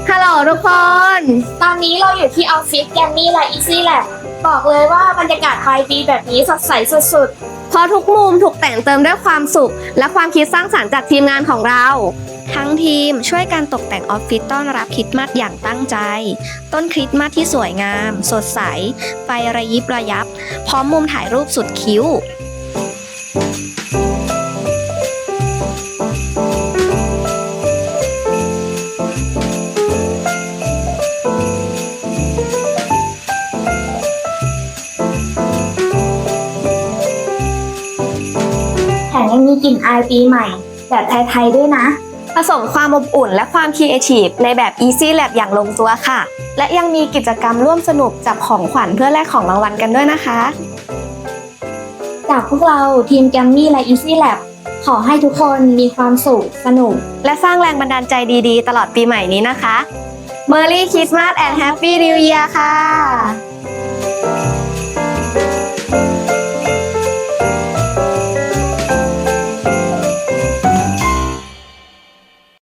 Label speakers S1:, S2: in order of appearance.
S1: ฮัลโหลทุกคน
S2: ตอนนี้เราอยู่ที่ออฟฟิศแกมมี่และอีซี่แลบบอกเลยว่าบรรยากาศปลายปีแบบนี้สดใสสุด
S1: เพราะทุกมุมถูกแต่งเติมด้วยความสุข และความคิดสร้างสรรค์จากทีมงานของเรา
S3: ทั้งทีมช่วยกันตกแต่งออฟฟิศต้อนรับคริสต์มาสอย่างตั้งใจ ต้นคริสต์มาสที่สวยงาม สดใส ไฟระยิบระยับ พร้อมมุมถ่ายรูปสุดคิ้ว
S2: ๆ แถมยังมีกลิ่นอายปีใหม่ แบบไทยๆด้วยนะ
S1: ผสมความอบอุ่นและความครีเอทีฟในแบบ Easy Lab อย่างลงตัวค่ะ และยังมีกิจกรรมร่วมสนุกจับของขวัญเพื่อแลกของรางวัลกันด้วยนะคะ
S2: จากพวกเราทีมแกมมี่และอีซี่แลบขอให้ทุกคนมีความสุขสนุก
S1: และสร้างแรงบันดาลใจดีๆ ตลอดปีใหม่นี้นะคะ Merry Christmas and Happy New Year ค่ะ